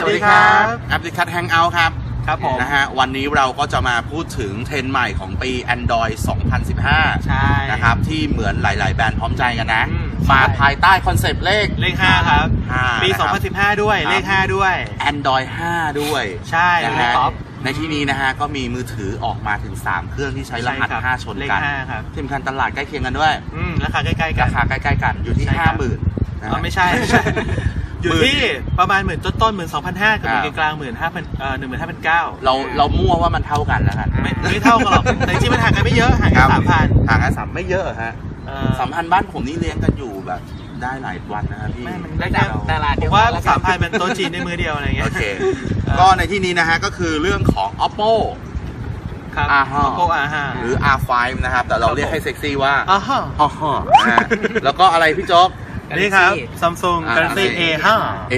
วัสดีครับแอปพลิเคชัน Hangout ครับผมนะฮะวันนี้เราก็จะมาพูดถึงเทรนด์ใหม่ของปี Android 2015 ใช่นะครับที่เหมือนหลายๆแบรนด์พร้อมใจกันนะมาภายใต้คอนเซปต์เลข 5ครับปีนะครับ 2015 ด้วยเลข 5 ด้วย Android 5 ด้วยใช่นะเลฮะขท็อปในที่นี้นะฮะก็มีมือถือออกมาถึง 3 เครื่องที่ใช้รหัส 5 ชนเลขกัน 5ครับที่สำคัญตลาดใกล้เคียงกันด้วยราคาใกล้ๆกันราคาใกล้ๆกันอยู่ที่ใช่ครับ 50,000นะฮะไม่ใช่ อยู่ที่ประมาณต้นๆ 12,500 กับกลางๆ 15,900 เรามั่วว่ามันเท่ากันแล้วกันไม่เท่ากันหรอกแต่จริงๆมันห่างกันไม่เยอะห่างกัน 3,000 ห่างกัน3ไม่เยอะฮะ3,000บ้านผมนี่เลี้ยงกันอยู่แบบได้หลายวันนะครับพี่ได้จากตลาดผมว่า 3,000 เป็นโต๊ะจีนในมือเดียวอะไรเงี้ยโอเคก็ในที่นี้นะฮะก็คือเรื่องของ Oppo ครับ Oppo R5 หรือ R5 นะครับแต่เราเรียกให้เซ็กซี่ว่า R5 นะฮะแล้วก็อะไรพี่โจ๊กนี่ครับ Samsung Galaxy A5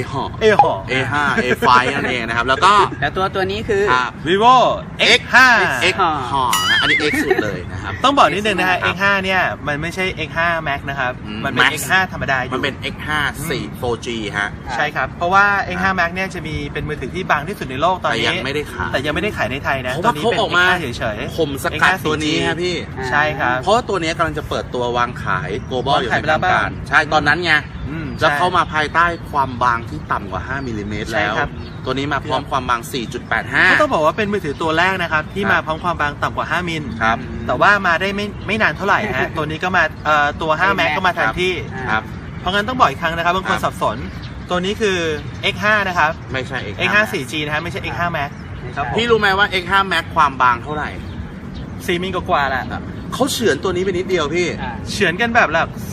A5 A5 นั่นเองนะครับแล้วก็แล้วตัวนี้คือ Vivo X5 X5 นะอันนี้ X สุดเลยนะครับต้องบอกนิดนึงนะฮะ X5 เนี่ยมันไม่ใช่ X5 Max นะครับมันเป็น Max X5 ธรรมดาอยู่มันเป็น X5 4G ฮะใช่ครับเพราะว่า X5 Max เนี่ยจะมีเป็นมือถือที่บางที่สุดในโลกตอนนี้แต่ยังไม่ได้ขายแต่ยังไม่ได้ขายในไทยนะเพราะตัวว่านี้เขาเป็นออกมา X5 เฉยๆผมสกัดตัวนี้ฮะพี่ใช่ครับเพราะว่าตัวนี้กำลังจะเปิดตัววางขาย global อยู่วางขายในไปแล้ทาว งการบ้างใช่ตอนนั้นไงใช่แล้วเข้ามาภายใต้ความบางที่ต่ำกว่า5มิลลิเมตรใช่แล้วครับตัวนี้มาพร้อมความบางก็ 4.85 ต้องบอกว่าเป็นมือถือตัวแรกนะครับที่ครับมาพร้อมความบางต่ำกว่า5มิลครับแต่ว่ามาได้ไม่นานเท่าไหร่ฮะ ตัวนี้ก็มาตัว5 Max ก็มาแทนที่ครับเพราะงั้นต้องบอกอีกครั้งนะครับบางคนครับสับสนตัวนี้คือ X5 นะครับไม่ใช่ X5 4G นะฮะไม่ใช่ X5 Max ครับผมพี่รู้ไหมว่า X5 Max ความบางเท่าไหร่ 4มิลกว่าๆแหละเขาเฉือนตัวนี้ไปนิดเดียวพี่เฉือนกันแบบ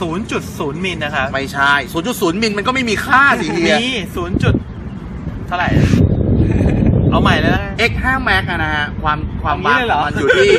0.0 มิลนะครับไม่ใช่ 0.0 มิลมันก็ไม่มีค่าสิเฮียมีเท่าไหร่ เอาใหม่แล้วนะ X5 Max อะนะฮะความบางเอางี้เลยเหรขอองมันอยู่ที่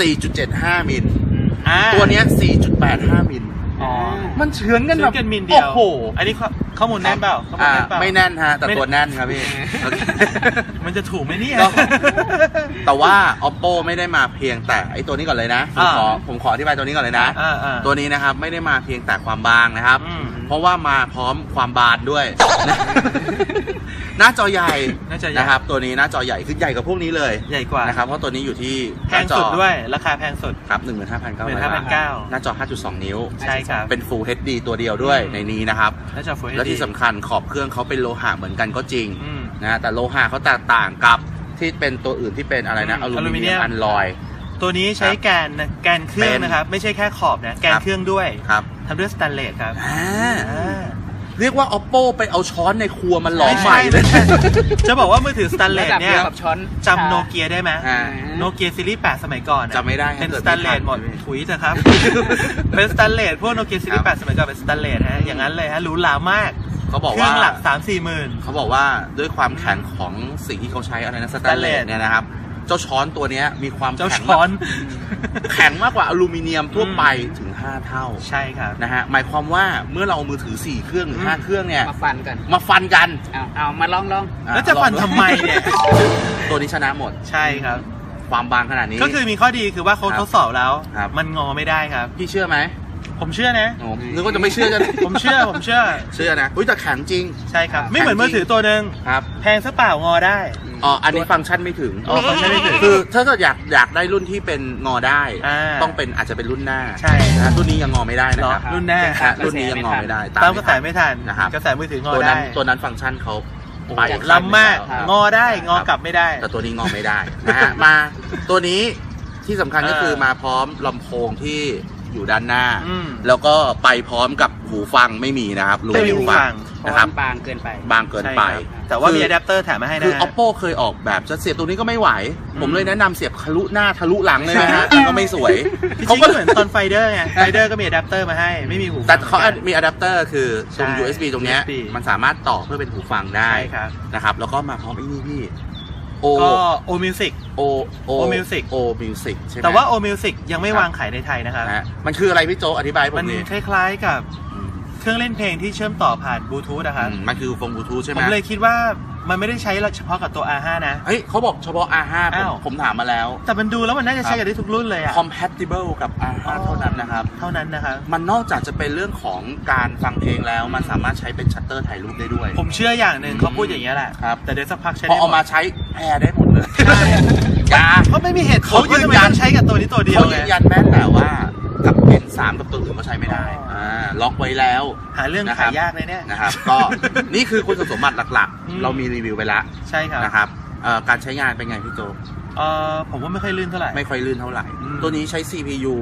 4.75 มิลตัวเนี้ย 4.85 มิลอ๋อมันเฉือนกันเฉืแบอนบกันมิลเดียวโอ้โหอันนี้ข้อมูลแน่นเปล่าข้อมูลแน่นเปล่าไม่แน่นฮะแต่ตัวแน่นครับพี่โอเคมันจะถูกไหมเนี่ยก็ แต่ว่า Oppo ไม่ได้มาเพียงแต่ไอตัวนี้ก่อนเลยนะผมขออธิบายตัวนี้ก่อนเลยนะ ตัวนี้นะครับไม่ได้มาเพียงแต่ความบางนะครับ เพราะว่ามาพร้อมความบานด้วย หน้าจอใหญ่นะครับตัวนี้หน้าจอใหญ่คือใหญ่กว่าพวกนี้เลยใหญ่กว่านะครับเพราะตัวนี้อยู่ที่แพงสุดด้วยราคาแพงสุดครับ 15,900 15,900 หน้าจอ 5.2 นิ้วใช่ครับเป็น Full HD ตัวเดียวด้วยในนี้นะครับหน้าจอ Full HD และที่สำคัญขอบเครื่องเขาเป็นโลหะเหมือนกันก็จริงอืมนะแต่โลหะเขาแตกต่างกับที่เป็นตัวอื่นที่เป็นอะไรนะอลูมิเนียมอัลลอยตัวนี้ใช้แกนเครื่องนะครับ ไม่ใช่แค่ขอบนะแกนเครื่องด้วยครับทำด้วยสแตนเลสครับเรียกว่า Oppo ไปเอาช้อนในครัวมันหลอมใหม่เลยจะบอกว่ามือถือสแตนเลสเนี่ยกับช้อนจำโนเกียได้ไหม โนเกียซีรีส์8สมัยก่อนจำไม่ได้เป็นสแตนเลสหมดถุยเถอะครับ เป็นสแตนเลสพวกโนเกียซีรีส์8สมัยก่อนเป็นสแตนเลสฮะอย่างนั้นเลยฮะหรูหรามากเขาบอกเครื่ว่าองหลัก 3-4 หมื่นเขาบอกว่าด้วยความแข็งของสิ่งที่เขาใช้อะไรนะสแตนเลสเนี่ยนะครับเจ้าช้อนตัวเนี้ยมีความเจ้าแข็งช้อนแข็งมากกว่าอลูมิเนียมทั่วไปถึง5 เท่าใช่ครับนะฮะหมายความว่าเมื่อเราเอามือถือ4เครื่องหรือ5เครื่องเนี่ยมาฟันกันมาฟันกันเอามาลองแล้วจะฟันทำไมเนี่ยตัวนี้ชนะหมดใช่ครับความบางขนาดนี้ก็คือมีข้อดีคือว่าเขาทดสอบแล้วครับมันงอไม่ได้ครับพี่เชื่อไหมผมเชื่อนะโอ้นึกว่าจะไม่เชื่อจะผมเชื่อเชื่อนะอุ้ยแต่แข็งจริงใช่ครับ ไม่เหมือนมือถือตัวหนึ่งครับแพงซะเปล่างอได้อ๋ออันนี้ฟังก์ชันไม่ถึงฟังก์ชันไม่ถึงคือถ้าเกิดอยากได้รุ่นที่เป็นงอได้ ต้องเป็นอาจจะเป็นรุ่นหน้าใช่นะรุ่นนี้ยังงอไม่ได้นะครับรุ่นหน้ารุ่นนี้ยังงอไม่ได้ตามกระแสไม่ทันนะครับกระแสมือถืองอตัวนั้นได้ตัวนั้นฟังก์ชันเขาไปล้ำมากครับงอได้งอกลับไม่ได้แต่ตัวนี้งอไม่ได้นะฮะมาตัวนี้ที่สำคัญก็คือมาพร้อมลำโพงที่อยู่ด้านหน้า แล้วก็ไปพร้อมกับหูฟังไม่มีนะครับไม่มีหูฟังนะครับบางเกินไปบางเกินไปใช่ครับแต่ว่ามีอะแดปเตอร์แถมมาให้นะคือ Oppo เคยออกแบบจะเสียบตรงนี้ก็ไม่ไหว ผมเลยแนะนำเสียบทะลุหน้าทะลุหลังเลยนะฮะก็ไม่สวยจริงๆก็เหมือนตอนไฟเดอร์ไงไฟเดอร์ก็มีอะแดปเตอร์มาให้ไม่มีหูฟังแต่เขามีอะแดปเตอร์คือตรงใช่ USB ตรงเนี้ย USB มันสามารถต่อเพื่อเป็นหูฟังได้ใช่ครับนะครับแล้วก็มาพร้อมไอ้นี่พี่โอก็โอมิวสิกโอ Music โอมิวสิกใช่ไหมแต่ว่าโอมิวสิกยังไม่วางขายในไทยนะครับนะฮะมันคืออะไรพี่โจอธิบายให้ผมันมดิคล้ายๆกับเครื่องเล่นเพลงที่เชื่อมต่อผ่านบลูทูธนะครับมันคือโฟนบลูทูธใช่ไหผม มเลยคิดว่ามันไม่ได้ใช้เฉพาะกับตัว R5 นะเฮ้ยเขาบอกเฉพาะ R5 ผมถามมาแล้วแต่มันดูแล้วมันน่าจะใช้กับได้ทุกรุ่นเลยอะ compatible กับ R5 เท่านั้นนะครับเท่านั้นนะครับมันนอกจากจะเป็นเรื่องของการฟังเพลงแล้วมันสามารถใช้เป็นชัตเตอร์ถ่ายรูปได้ด้วยผมเชื่ออย่างหนึ่งเขาพูดอย่างเงี้ยแหละครับแต่เดี๋ยวสักพักใช้พอได้หเอามมาดใช้แพร์ได้หมดเลยใช่อย่าเพราะไม่มีเหตุผลเขายืว่าน ทำไมยันต้องใช้กับตัวนี้ตัวเดียวเขาไงยืนยันแม้แต่ว่ากับ N3 กับตัวอื่นก็ใช้ไม่ได้ล็อกไว้แล้วหาเรื่องขายยากเลยเนี่ยนะครับ ก็นี่คือคุณสมบัติหลักอืมๆ เรามีรีวิวไปแล้วใช่ครับนะครับการใช้งานเป็นไงพี่โจผมว่าไม่ค่อยลื่นเท่าไหร่ไม่ค่อยลื่นเท่าไหร่อืมตัวนี้ใช้ CPU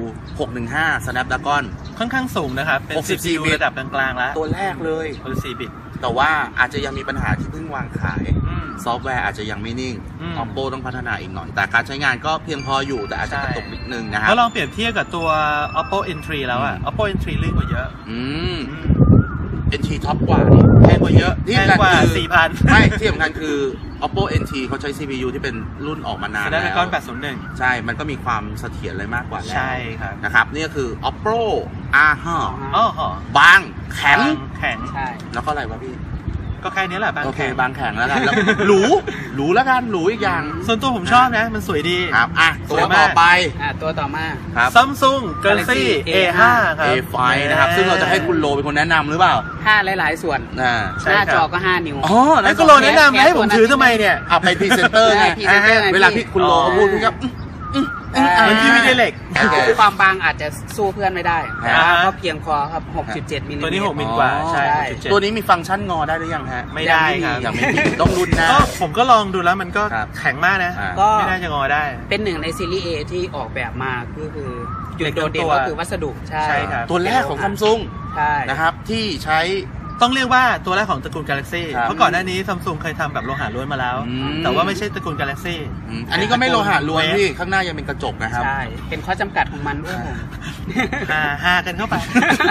615 Snapdragon ค่อนข้างสูงนะครับ เป็น 64 CPU บิตระดับกลางๆแล้วตัวแรกเลย 64 บิตแต่ว่าอาจจะยังมีปัญหาที่เพิ่งวางขายอืมซอฟต์แวร์อาจจะยังไม่นิ่งอืม Oppo ต้องพัฒนาอีกหน่อย แต่การใช้งานก็เพียงพออยู่แต่อาจจะกระตุกนิดนึงนะครัถ้าลองเปรียบเทียบกับตัว Oppo N3 แล้วอะ Oppo N3 ลื่นกว่าเยอะอืมอืม NT ท็อปกว่านี่แพงกว่าเยอะที่แพงกว่าสำคัญคือ 4,000 ไม่ที่สำคัญคือ Oppo NT เขาใช้ CPU ที่เป็นรุ่นออกมานานแล้ว Snapdragon 801 ใช่ มันก็มีความเสถียรเลยมากกว่าแล้วใช่ครับนะครับ นี่ก็คือ Oppo R5 อ๋อหอบางแข็งแข็งใช่แล้วก็อะไรวะพี่ก็แค่นี้แหละบางโอเคแข็งบางแข็งแล้วกันแล้วหรูแล้วกันหรูอีกอย่างส่วนตัวผมชอบนะ มันสวยดีครับอ่ะสตัววยมากต่อไปตัวต่อมาครับ Samsung Galaxy A5 ครับ A5 นะครับ ซึ่งเราจะให้คุณโลเป็นคนแนะนำหรือเปล่า 5 หลายๆส่วนใช่หน้าครับจอก็ 5 นิ้วอ๋อไอ้ก็โลแนะนำนะให้ผมถือทำไมเนี่ยเอาไปพรีเซนเตอร์ไงพรีเซนเตอร์ไงเวลาพี่คุณโลเขาพูดพี่ก็มันที่ไม่ได้เหล็กโอเคความบางอาจจะสู้เพื่อนไม่ได้อ่าก็เพียงพอครับ 6.7 มิลลิเมตรตัวนี้6 มิลกว่า ใช่ใช่ 6.7 ตัวนี้มีฟังก์ชันงอได้หรือยังฮะไม่ได้ครับยังไม่มีต้องรุ่นหน้าก็ผมก็ลองดูแล้วมันก็ครับแข็งมากนะอ่าก็ไม่น่าจะงอได้เป็นหนึ่งในซีรีส์ A ที่ออกแบบมาก็คือจุดโดดเด่นตัวก็คือวัสดุ ใช่ใช่ครับตัวแรกของซัมซุงใช่นะครับที่ใช้ต้องเรียกว่าตัวแรกของตระกูล Galaxy ครับเพราะก่อนหน้านี้ Samsung เคยทำแบบโลหะล้วนมาแล้วอืมแต่ว่าไม่ใช่ตระกูล Galaxy อันนี้ก็ไม่โลหะล้วนพี่ข้างหน้ายังเป็นกระจกนะครับใช่ เป็นข้อจำกัดของมันด้วยผมหากันเข้าไป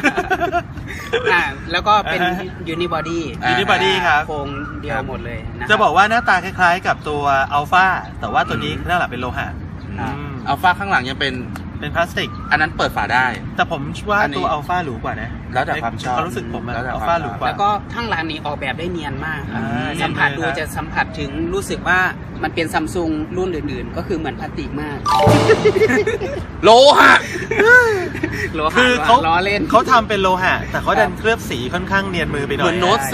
แล้วก็เป็นอ่าฮะยูนิบอดี้ Unibody ครับโครงเดียวหมดเลยนครัจะบอกว่าหน้าตาคล้ายๆกับตัว Alpha แต่ว่าตัวนี้หน้าหลังเป็นโลหะอ่าอัลฟาข้างหลังยังเป็นเป็นพลาสติกอันนั้นเปิดฝาได้แต่ผมว่าอันนี้ตัว Alpha หรูกว่านะแล้วแต่ความชอบความรู้สึกผมอะแล้วแต่ความ Alpha หรูกว่าแล้วก็ข้างหลังนี้ออกแบบได้เนียนมากครับอ่าสัมผัสเนีดูยนเลยจะสัมผัสถึงรู้สึกว่ามันเป็นซัมซุงรุ่นอื่นๆ ก็คือเหมือนพลาสติกมากโลหะโลหะคือเขาล้อเล่นเขาทำเป็นโลหะ แต่เขาดันเคลือบสีค่อนข้างเนียนมือไปหน่เหอยมือนโน้ตใช่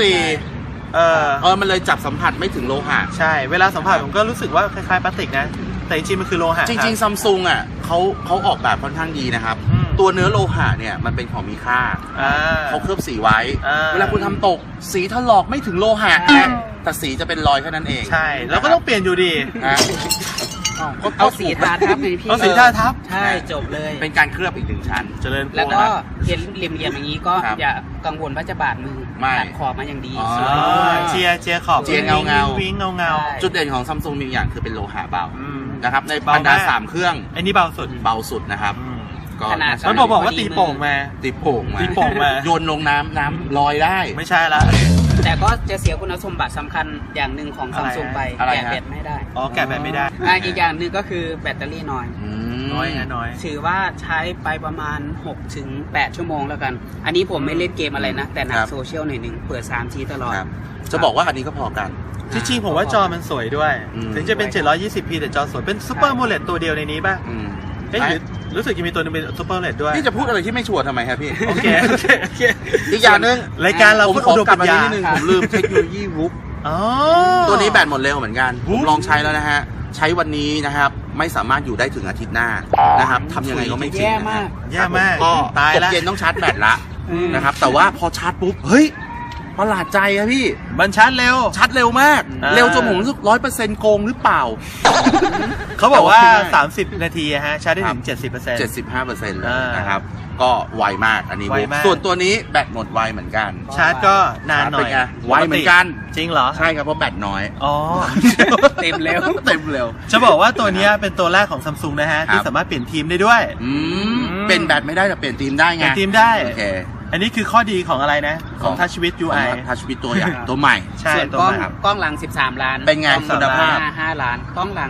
4มันเลยจับสัมผัสไม่ถึงโลหะใช่ เวลาสัมผัสผมก็รู้สึกว่าคล้ายๆพลาสติกนะ แต่จริงๆมันคือโลหะจริงๆซัมซุงอ่ะเขาออกแบบค่อนข้างดีนะครับอืมตัวเนื้อโลหะเนี่ยมันเป็นของมีค่า เขาเคลือบสีไว้ เวลาคุณทำตกสีถลอกไม่ถึงโลหะใช่แต่สีจะเป็นรอยแค่นั้นเองใช่ แล้วก็ต้องเปลี่ยนอยู่ดีนะเอาสีทาทับไงพี่เอาสีทาทับใช่จบเลยเป็นการเคลือบอีกหนึ่งชั้นเจริญพรแล้วก็เห็นเหลี่ยมๆอย่างนี้ก็ครับอย่ากังวลว่าจะบาดมือไม่ตัดขอบมาอย่างดีอ๋อสวยด้วยเจียขอบเจียเงาๆวิ้งเงาใช่จุดเด่นของซัมซุงมีอย่างคือเป็นโลหะเบาๆอืมนะครับในเบาบรรดามาก 3 เครื่องไอ้นี่เบาสุดเบาสุดนะครับอืมก็ขนาดมันบอกว่าตีโป่งมาตีโป่งมาตีโป่งมาโยนลงน้ำลอยได้ไม่ใช่ละแต่ก็จะเสียคุณสมบัติสำคัญอย่างหนึ่งของอะไรซัมซุงไปอะไรแกะฮะแบตไม่ได้อ๋อ แกะแบบไม่ได้อีกอย่างหนึ่งก็คือแบตเตอรี่น้อยอืมน้อยนะน้อยถือว่าใช้ไปประมาณ 6-8 ชั่วโมงแล้วกัน อันนี้ผมไม่เล่นเกมอะไรนะ แต่หนัคกรับโซเชียลหน่อยหนึ่งเปิด 3G ตลอดครับจะบอกว่าอันนี้ก็พอกันจริงๆผมว่าจอมันสวยด้วยอืมถึงจะเป็น 720p แต่จอสวย เป็นซูเปอร์โมเลดตัวเดียวในนี้ป่ะอืมเอ๊ะหรือรู้สึกจะมีตัวนึงเป็นซูเปอร์โมเลดด้วยพี่จะพูดอะไรที่ไม่ชัวร์ทำไมครับพี่โอเค โอเค โอเคอีกอย่างหนึงรายการเราผมพูดขออุดมกลับปัญมาญานิดนึงผมลืมเทคโนโลยีวุ๊บอ๋อตัวนี้แบตหมดเร็วเหมือนกันวุ๊ผบมลองใช้แล้วนะฮะ ใช้วันนี้นะครับ ไม่สามารถอยู่ได้ถึงอาทิตย์หน้านะครับทำยังไงก็ไม่จริงแย่นะมาฮะกแย่มากก็ตายตกละเย็นต้องชาร์จแบตละอืมนะครับ แต่ว่าพอชาร์จปุ๊บ เฮ้ย ประหลาดใจครับพี่มันชาร์จเร็วชาร์จเร็วมากอ่าเร็วจนผมรู้สึก100%โกงหรือเปล่าเขาบอกว่าแต่ว่า 30 นาทีอะฮะ ชาร์จได้ถึง 70% 75%เลยอ่านนะครับ ก็ไวมากอันนี้ไวมากส่วนตัวนี้แบตหมดไวเหมือนกันชาร์จก็นานหน่อยเป็นไงไวเหมือนกันจริงเหรอใช่ครับเพราะแบตน้อยอ๋อเต็มเร็วเต็มเร็วจะบอกว่าตัวเนี้ยเป็นตัวแรกของ Samsung นะฮะ ที่ครับสามารถเปลี่ยนทีมได้ด้วยเป็นแบตไม่ได้แต่เปลี่ยนธีมได้เปไงลี่ยนทีมได้โอเคอันนี้คือข้อดีของอะไรนะ ของ Touch with UI ทัชวิตตัวอย่างตัวใหม่ใช่ส่วนตัวกล้องใหม่กล้องหลัง 13 ล้านเป็นไงกล้องคุณภาพหน้5ล้าน กล้องหลัง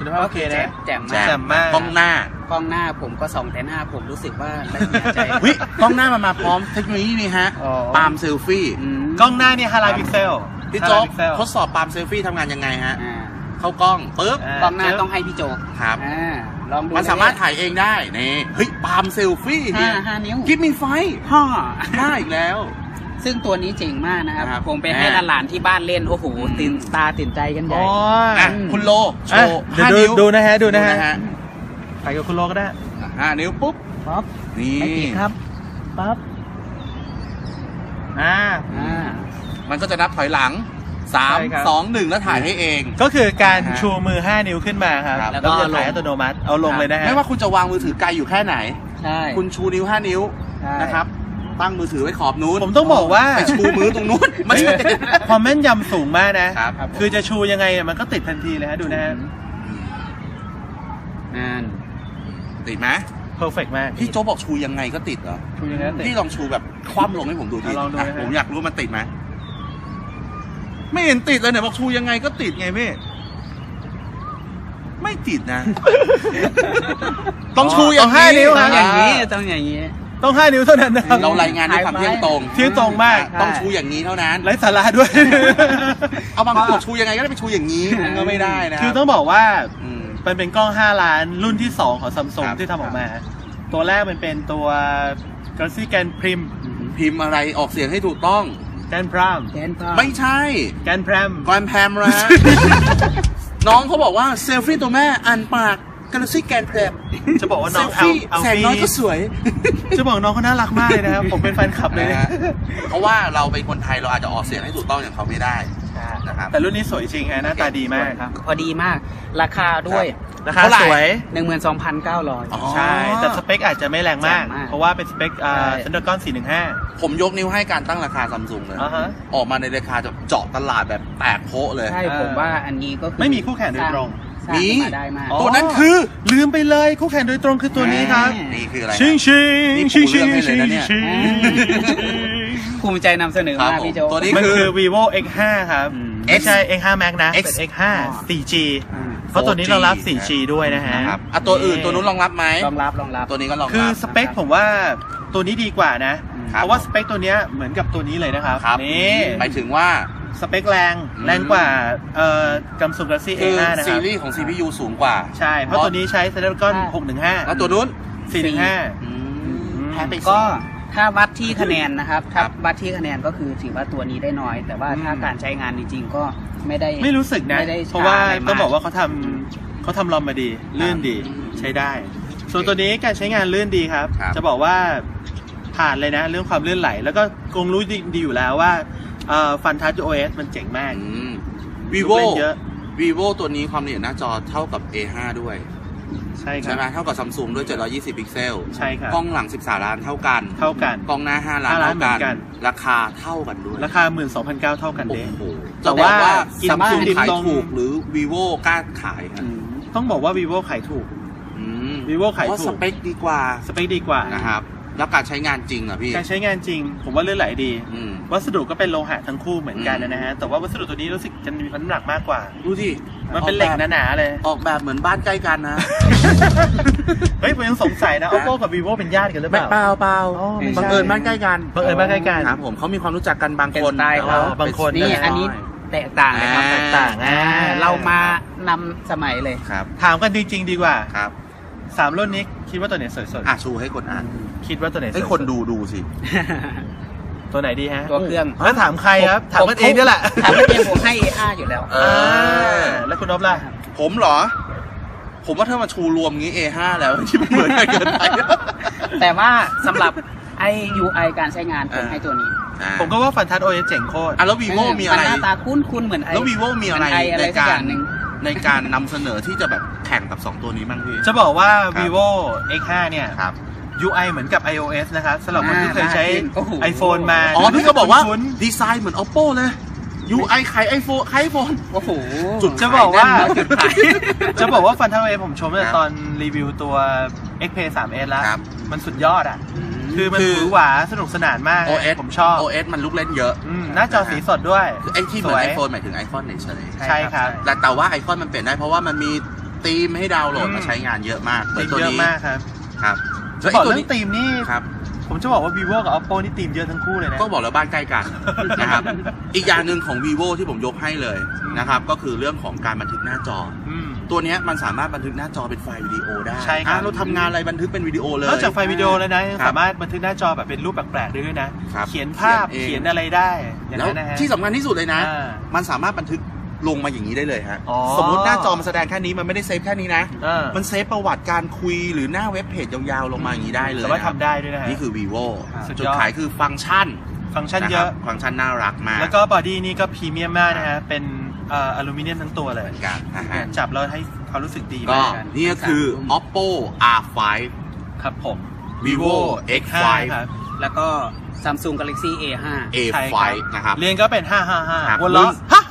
คุณภาพโอเคนะแจ่มแจ่มากแจ่มมากกล้องหน้ากล้องหน้าผมก็2แต่หน้าผมรู้สึกว่าละเอียดใจเฮ้ยกล้องหน้ามันมาพร้อมเทคโนโลยีนี่ฮะอ๋อปาล์มเซลฟี่กล้องหน้าเนี่ย5ล้านพิกเซลพี่โจ๊ก 5ล้านพิกเซลทดสอบปาล์มเซลฟี่ทำงานยังไงฮะอ่าเข้ากล้องปึ๊บกล้องหน้าต้องให้พี่โจกครับลองดูมันสามารถถ่ายเองได้นี่เฮ้ยปาล์มเซลฟี่ห้านิ้วกิฟมีไฟห้าได้อีกแล้วซึ่งตัวนี้เจ๋งมากนะครับครับผมไปให้หลานๆที่บ้านเล่น โอ้โห ตื่นตาตื่นใจกันใหญ่โอ้ยอ่ะคุณโลโชอ่ะว์เดี๋ยว 5 ดูนิ้วดูนะฮะดูนะฮะฮะไปกับคุณโลก็ได้ 5 นิ้วปุ๊บปั๊บนี่ไม่ติดครับปั๊บอ่ามันก็จะนับถอยหลังใช่ครับ 3 2 1 แล้วถ่ายให้เองก็คือการนะฮะชูมือ5นิ้วขึ้นมาครับครับแล้วก็จะถ่ายอัตโนมัติเอาลงเลยนะฮะไม่ว่าคุณจะวางมือถือไกลอยู่แค่ไหนใช่คุณชูนิ้ว 5 นิ้วใช่นะครับ ตั้งมือถือไว้ขอบนู้นผมต้องบอกว่าไปชูมือตรงนู้นไม่ใช่ความแม่นยำสูงมากนะครับคือจะชูยังไงเนี่ยมันก็ติดทันทีเลยฮะดูนะฮะนั่นติดไหมเพอร์เฟกมากพี่โจ๊กบอกชูยังไงก็ติดเหรอชูยังไงก็ติดพี่ลองชูแบบคว่ำลงให้ผมดูทีลองดูนะฮะผมอยากรู้ว่ามันติดไหมไม่เห็นติดเลยเนี่ยบอกชูยังไงก็ติดไงพี่ไม่ติดนะ ต้องชูอย่างต้อง5นิ้วต้คอรังบอย่างนี้ต้องอย่างนี้ต้อง5นิ้วเท่านั้นนะครับเรารายงานด้วยความเที่ยงตรงเที่ยงตรงมากต้องชูอย่างนี้เท่านั้นไร้สาระด้วยเอาบางคนบอกชูยังไงก็ได้ไปชูอย่างนี้มันก็ไม่ได้นะคือต้องบอกว่าอืมมันเป็นกล้อง 5 ล้านรุ่นที่ 2 ของซัมซุงครับที่ทำออกมา ตัวแรกมันเป็นตัว Galaxy Grand Prim พิมพ์อะไรออกเสียงให้ถูกต้อง Grand Prim แกนพาไม่ใช่ Grand Prim กอนแพมระ น้องเขาบอกว่าเซลฟี่ตัวแม่อ่านปากกาแล็กซี่แกนแพมจะบอกว่าเซน้องลฟี่เอาแสงน้อยก็สวยจะบอกน้องเขาน่ารักมากเลยนะครับ ผมเป็นแฟนคลับเลยนะฮะเพราะว่าเราเป็นคนไทยเราอาจจะออกเสียงให้ถูกต้องอย่างเขาไม่ได้นะครับแต่รุ่นนี้สวยจริงฮะหน้าตาดีมากครับพอดีมาก ราคาด้วยราคาเท่าไหร่สวย 12,900 อ๋อใช่ แต่สเปคอาจจะไม่แรงมากแจ่มมากเพราะว่าเป็นสเปคใช่ Snapdragon 415 ผมยกนิ้วให้การตั้งราคาซัมซุงเลยอ่าฮะออกมาในราคาจะเจาะตลาดแบบแตกโพะเลยใช่ผมว่าอันนี้ก็คือไม่มีคู่แข่งโดยตรงสร้างขึ้นมาได้มากตัวนั้นคือลืมไปเลยคู่แข่งโดยตรงคือตัวนี้ครับนี่คืออะไรฮะชิงชิงนี่ชิงปูชิงเรื่องให้ชิเลยงนะเนี่ยชิงภูมิใจนำเสนอครัมาบกพี่โจผมตัวนี้มันคือ vivo X5 ครับอืมไม่ใช่ X5 Max นะ X เป็น X5 4G อืมเพราะตัวนี้เรารับ 4G ด้วยนะฮะนะครับอ่ะตัวอื่นตัวนู้นรองรับไหมรองรับตัวนี้ก็รองรับคือสเปคผมว่าตัวนี้ดีกว่านะครับเพราะว่าสเปคตัวเนี้ยเหมือนกับตัวนี้เลยนะครับครับนี่หมายถึงว่าสเปคแรงกว่าSamsung Galaxy คือ A5 นะคซีรับรีส์ของ CPU สูงกว่าใช่ เพราะตัวนี้ใช้ Snapdragon แล้วตัวนู้น 615 แพ้ไปก็สองถ้าวัดที่คะแนนนะครับครัถ้าบวัดที่คะแนนก็คือถือว่าตัวนี้ได้น้อย แต่ว่าถ้าการใช้งานจริงๆก็ไม่ได้ไม่รู้สึกนะไม่ได้เพราะว่าช้าอะไรมากต้องบอกว่าเขาทำลอมมาดี ลื่นดีใช้ได้ ส่วนตัวนี้การใช้งานลื่นดีครับครับจะบอกว่าผ่านเลยนะ เรื่องความลื่นไหล แล้วก็คงรู้ดีอยู่แล้วว่าฟันทัช OS มันเจ๋งมาก vivo ลูกเล่นเยอะ vivo ตัวนี้ความละเอียดหน้าจอเท่ากับ A5 ด้วยใช่คใช่รับไหมเท่ากับ Samsung ด้วย720พิกเซลใช่ครับกล้องหลัง13ล้านเท่ากันเท่ากันกล้องหน้า5ล้าน 5ล้านเท่ากันเหมือนกันราคาเท่ากันด้วยราคา 12,900 เท่ากันโอ้เด้โหแต่จะบอกว่ากิน Samsung ติดขายตรงถูกหรือ vivo กล้าขายครับต้องบอกว่า vivo ขายถูกอืม vivo ขายเพราะถูสกเปคดีกว่าสเปคดีกว่านะครับแล้วการใช้งานจริงอ่ะพี่การใช้งานจริง ผมว่าลื่นไหลดีอืมวัสดุก็เป็นโลหะทั้งคู่เหมือนกันนะฮะ แต่ว่าวัสดุตัวนี้รู้สึกจะมีน้ำหนักมากกว่าดูสิมันเป็นเหล็กหนาๆเลยออกแบบเหมือนบ้านใกล้กันนะเฮ้ยผมยังสงสัยนะ oppo กับ vivo เป็นญาติกันหรือเปล่าเปล่าอ๋อไม่ใช่บังเอิญบ้านใกล้กันบังเอิญบ้านใกล้กันครับผมเขามีความรู้จักกันบางเป็นคนสไตล์เขาบางคนนี่นะอันนี้แตกต่างเลยครับอ่าแตกต่างเรามานำสมัยเลยครับถามกันจริงๆดีกว่าครับ 3 รุ่นนี้คิดว่าตัวไหนสวยสุดชูให้คนอ่านคิดว่าตัวไหนสวยให้สุดคนดูสิตัวไหนดีฮะตัวเครื่องแล้วถามใครครับ ถามกันเองนี่แหละถามกันเองผมให้ A5 อยู่แล้วแล้วคุณนพล่ะผมเหรอ ผมว่าถ้ามาชูรวมงี้ A5 แล้วที่มันเหมือนกันเกินไปแต่ว่าสำหรับไอ UI การใช้งานผมให้ตัวนี้ผมก็ว่าฟันทัช OS เจ๋งโคตรแล้ว vivo มีอะไรนหน้าตาคุ้นๆเหมือนไอแล้ว vivo มีอะไรเหนอะไรในสักกาอรย่างหนึ่งในการนำเสนอที่จะแบบแข่งกับ 2 ตัวนี้บ้างพี่จะบอกว่าครับ vivo X5 เนี่ยครับ UI เหมือนกับ iOS นะครับสำหรับคนที่เคยใช้โอ้โห iPhone มาอ๋อพี่ก็บอกว่าคุ้นดีไซน์เหมือน oppo เลย UI ขาย iPhone โอ้โหจุดจะบอกว่าจุดขายจะบอกว่าฟันทัช OS ผมชมตั้งแต่ครับตอนรีวิวตัว Xperia 3s แล้วครับมันสุดยอดอ่ะ คือมันคือหวือหวาสนุกสนานมาก OS ผมชอบ OS มันลูกเล่นเยอะหน้าจอสีสดด้วยคือไอ้ที่เหมือนสวย iPhone หมายถึง iPhone เฉยใช่ครับๆแต่ว่าไอคอนมันเปลี่ยนได้เพราะว่ามันมีธีมให้ดาวน์โหลดมาใช้งานเยอะมากเหมืธีอนมตัวเยอะนี้มากครับครับจะแล้วบอกตัวเรื่อนี้งธีมนี่ครับผมจะบอกว่า vivo กับ oppo นี่ธีมเยอะทั้งคู่เลยนะก็บอกแล้วบ้านใกล้กันนะครับ อีกอย่างหนึ่งของ vivo ที่ผมยกให้เลยนะครับก็คือเรื่องของการบันทึกหน้าจอมตัวเนี้ยมันสามารถบันทึกหน้าจอเป็นไฟล์วิดีโอได้ใช่ครับเราทำงานอะไรบันทึกเป็นวิดีโอเลยนอกจากไฟล์วิดีโอแล้วนะยังครับสามารถบันทึกหน้าจอแบบเป็นรูปแปลกๆได้ด้วยนะครับเขียนภาพเขีเขียยนนเองอะไรได้อย่างแล้วนั้นนะฮะที่สำคัญที่สุดเลยนะอ่ามันสามารถบันทึกลงมาอย่างนี้ได้เลยฮะอ๋อสมมติหน้าจอมันแสดงแค่นี้มันไม่ได้เซฟแค่นี้นะอ่ามันเซฟประวัติการคุยหรือหน้าเว็บเพจยาวๆลงมาอย่างนี้ได้เลยสามารถนะครับทำได้ด้วยนะฮะนี่คือ vivo สุดยอดจุดขายคือฟังก์ชันฟังก์ชันเยครัอะบฟังก์ชันน่ารักมากแล้วก็บอดี้นี่ก็พรีเมียมมากนะฮะ เป็นอลูมิเนียมทั้งตัวเลยเหมือนกันนะฮะจับแล้วให้ความรู้สึกดีก็มากนี่ก็คือ oppo r5 ครับผม vivo x5 ครับแล้วก็ Samsung Galaxy A5 ใช่ a5 นะครับเรียนก็เป็นครับ 555วนล้อ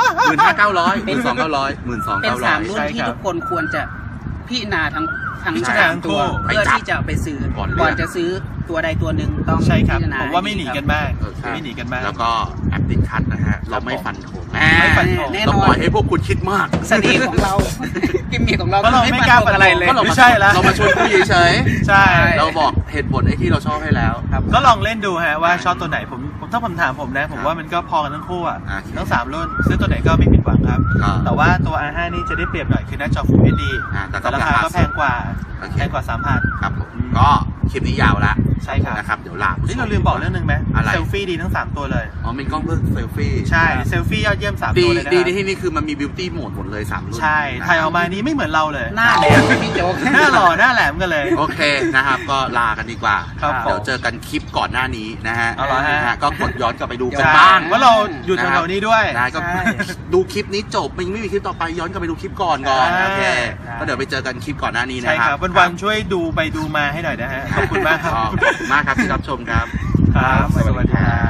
15,900 12,900 เป็น3 12,900 รุ่นใช่ที่ครับทุกคนควรจะพิจารณาทั้งพิจารณาทั้งตัวคู่เพื่อที่จะไปซื้อก่อนเลือกก่อนจะซื้อตัวใดตัวหนึ่งต้องใช่ครับพิจารณาผมว่าไม่หนีกันมากเออครับไม่หนีกันมากแล้วก็แอปติดคัทนะฮะ เราไม่ฟันธงไม่ฟันธงแน่ต้องนอปล่อน ยให้พวกคุณคิดมากเสน่ห์ของเรา กิมมิคของเราเพราะเราไม่กล้าฟันธงอะไรเลยก็เรา ไม่ใช่แล้วเรามาชวนคุยเฉยใช่ๆเราบอกเหตุผลไอ้ที่เราชอบให้แล้วครับก็ลองเล่นดูฮะว่าชอบตัวไหนถ้าผมถามผมนะ ผมว่ามันก็พอกันทั้งคู่อ่ะอ่าทั้ง3รุ่นซื้อตัวไหนก็ไม่ผิดหวังครับอ่าแต่ว่าตัว R5 นี่จะได้เปรียบหน่อยคือหน้าจอ Full HD แต่ก็แต่ราคาก็แพงกว่าโอเคแพงกว่า 3,000 ครับผมก็คลิปนี้ยาวแล้วใช่ครับนะครับ เดี๋ยวลานี่เราลืมบอกเรื่องหนึงไหมอะไรเซลฟี่ดีทั้ง 3 ตัวเลยอ๋อมีกล้องเพื่อเซลฟี่ใช่ เซลฟี่ยอดเยี่ยม 3 ดีตัวเลยนะดีครับในที่นี่คือมันมีบิวตี้โหมดหมดเลย3รุ่นใช่ ถ่ายออกมานี้ไม่เหมือนเราเลยหน้าแหลมพี่โจ๊กหน้าหล่อหน้าแหลมกันเลยโอเคนะครับ ก็ลากันดีกว่าครับเดี๋ยวเจอกันคลิปก่อนหน้านี้นะฮะเอาเหรอฮะนะฮะก็กดย้อนกลับไปดูกันใช่บ้างว่าเราอยู่แถวๆนี้ด้วยได้ก็ใช่ดูคลิปนี้จบมันยังไม่มีคลิปต่อไปย้อนกลับไปดูคลิปก่อนอ่าโอเคก็เดี๋ยวไปเจอกันคลิปก่อนหน้านี้นะใช่คครัรับ บวันๆช่วยดูไปดูมาให้หน่อยนะฮะ ขอบคุณมากครับขอบคุณมากครับที่รับชมครับครับ สวัสดีครับ